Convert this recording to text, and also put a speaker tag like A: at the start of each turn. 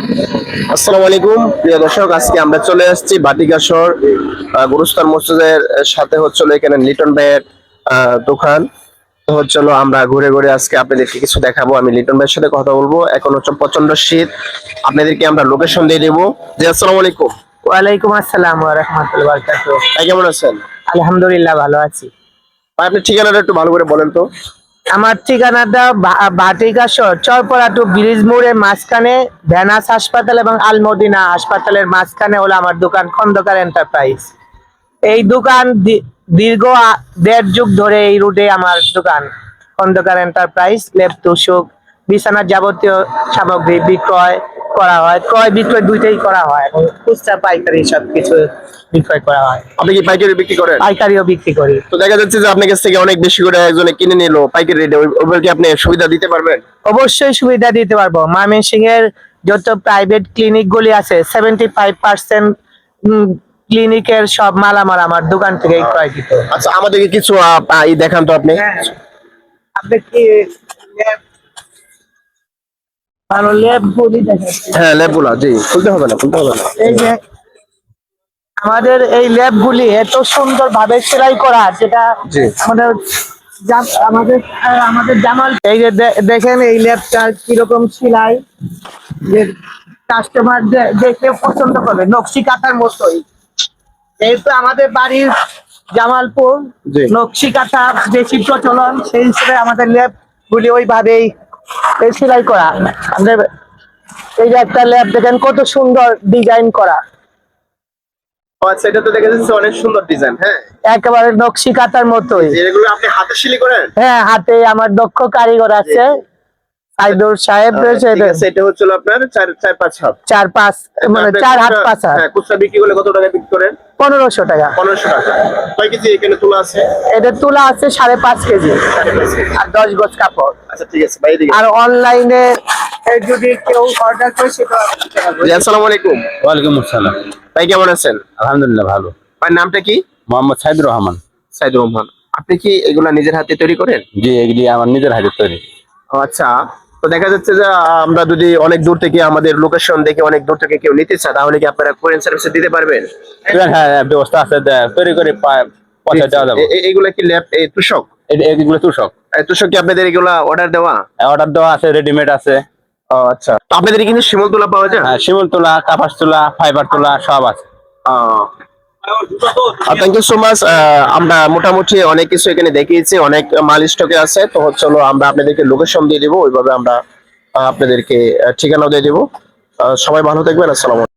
A: আসসালামু আলাইকুম প্রিয় দর্শক, আজকে আমরা চলে আসছি বাটিকাশর গুরুস্থান মসজিদের সাথে হচ্ছিল এখানে লিটন ভাইয়ের দোকান। তো হচ্ছিল আমরা ঘুরে ঘুরে আজকে আপনাদেরকে কিছু দেখাবো। আমি লিটন ভাইয়ের সাথে কথা বলবো। এখন হচ্ছে প্রচন্ড শীত, আপনাদেরকে আমরা লোকেশন দিয়ে দেবো। জি আসসালামু আলাইকুম।
B: ওয়ালাইকুম আসসালাম ওয়া রাহমাতুল্লাহি ওয়া বারাকাতুহু।
A: ভাই কেমন আছেন?
B: আলহামদুলিল্লাহ ভালো আছি।
A: ভাই আপনি ঠিকানাটা একটু ভালো করে বলেন তো।
B: আমার ঠিকানাটা ভাটিকাশর চরপড়া টু ব্রিজ মোড়ের মাঝখানে ভেনাস হাসপাতাল এবং আলমদিনা হাসপাতালের মাঝখানে হলো আমার দোকান খন্দকার এন্টারপ্রাইজ। এই দোকান দীর্ঘ 1.5 যুগ ধরে এই রুটে আমার দোকান খন্দকার এন্টারপ্রাইজ। লেপ তুষক বিছানার যাবতীয় সামগ্রী বিক্রয় করা হয়, ক্রয় বিক্রয় দুইটাই করা হয় এবং খুচরা পাইকারি সবকিছু বিক্রয় করা হয়।
A: আপনি কি পাইকারি বিক্রি করেন?
B: পাইকারিও বিক্রি করি।
A: তো দেখা যাচ্ছে যে আপনার কাছ থেকে অনেক বেশি করে একজনে কিনে নিল পাইকারি রেটে, ওইভাবে কি আপনি সুবিধা দিতে পারবেন?
B: অবশ্যই সুবিধা দিতে পারবো। ময়মনসিংহ এর যত প্রাইভেট ক্লিনিক গুলি আছে 75% ক্লিনিকের সব মালামাল আমার দোকান থেকে ক্রয়কৃত।
A: আচ্ছা, আমাদেরকে কিছু দেখান তো আপনি।
B: আপনি কি ভালো ল্যাব গুলি দেখাচ্ছি?
A: হ্যাঁ, ল্যাবগুলো জি, খুলতে হবে না, খুলতে হবে না।
B: এই যে আমাদের এই ল্যাব গুলি এত সুন্দর ভাবে সেলাই করা, যেটা
A: জি।
B: আমাদের আমাদের আমাদের জামাল এই যে দেখেন এই ল্যাবটা কিরকম সেলাই, যে কাস্টমার দেখে পছন্দ করবে নকশি কাঁথার মতোই। যেহেতু আমাদের বাড়ির জামালপুর,
A: জি।
B: নকশি কাঁথা বেশি প্রচলন, সেই হিসেবে আমাদের ল্যাব গুলি ওইভাবেই সেলাই করা। আমাদের এই যে একটা ল্যাব দেখেন কত সুন্দর ডিজাইন করা,
A: আচ্ছা, এটা তো দেখা যাচ্ছে অনেক সুন্দর ডিজাইন। হ্যাঁ,
B: একেবারে নকশি কাঁথার মতোই।
A: এগুলো আপনি হাতে সেলাই করেন?
B: হ্যাঁ, হাতে আমার দক্ষ কারিগর আছে সাইদুর সাহেব।
A: ঠিক আছে, এটা হচ্ছে আপনার 4-5 হাত।
B: 4-5 মানে 4 হাত 5 হাত।
A: হ্যাঁ, খুচরা বিক্রি করলে কত টাকা বিক্রি করেন?
B: 1500 টাকা।
A: 1500 টাকা। কয় কেজি এখানে তোলা আছে?
B: এটা তুলা আছে 5.5 কেজি আর 10 গজ কাপড়।
A: আচ্ছা ঠিক আছে ভাই, এদিকে।
B: আর অনলাইনে যদি কেউ অর্ডার করে সেটা দিতে পারবো।
A: জি আসসালামু আলাইকুম।
C: ওয়ালাইকুম আসসালাম।
A: ভাই কেমন আছেন?
C: আলহামদুলিল্লাহ ভালো।
A: ভাই নামটা কি?
C: মোহাম্মদ সাইদুর রহমান।
A: সাইদুর রহমান। আপনি কি এগুলা নিজের হাতে তৈরি করেন?
C: জি, এগুলি আমার নিজের হাতে তৈরি।
A: ও আচ্ছা, তো দেখা যাচ্ছে যে আমরা যদি অনেক দূর থেকে আমাদের লোকেশন দেখে অনেক দূর থেকে কেউ নিতে চায়, তাহলে কি আপনারা কোরিয়ান সার্ভিসে দিতে পারবেন?
C: হ্যাঁ হ্যাঁ, ব্যবস্থা আছে, তৈরি করে পৌঁছে দেওয়া যাবে।
A: এইগুলা কি ল্যাব তুষক?
C: এগুলো তুষক।
A: তুষক কি আপনাদের এগুলা অর্ডার দেওয়া?
C: অর্ডার দেওয়া আছে, রেডিমেড আছে।
A: ও আচ্ছা, তো আপনাদের কিন্তু শিমুল তোলা পাওয়া যায়?
C: হ্যাঁ, শিমুল তোলা, কাপাস তোলা, ফাইবার তোলা সব আছে।
A: Thank you so much. আমরা মোটামুটি অনেক কিছু এখানে দেখিয়েছি, অনেক মাল স্টকে আছে। তো হচ্ছে আমরা আপনাদেরকে লোকেশন দিয়ে দিব, ওইভাবে আমরা আপনাদেরকে ঠিকানাও দিয়ে দিব। সবাই ভালো থাকবেন। আসসালামু আলাইকুম।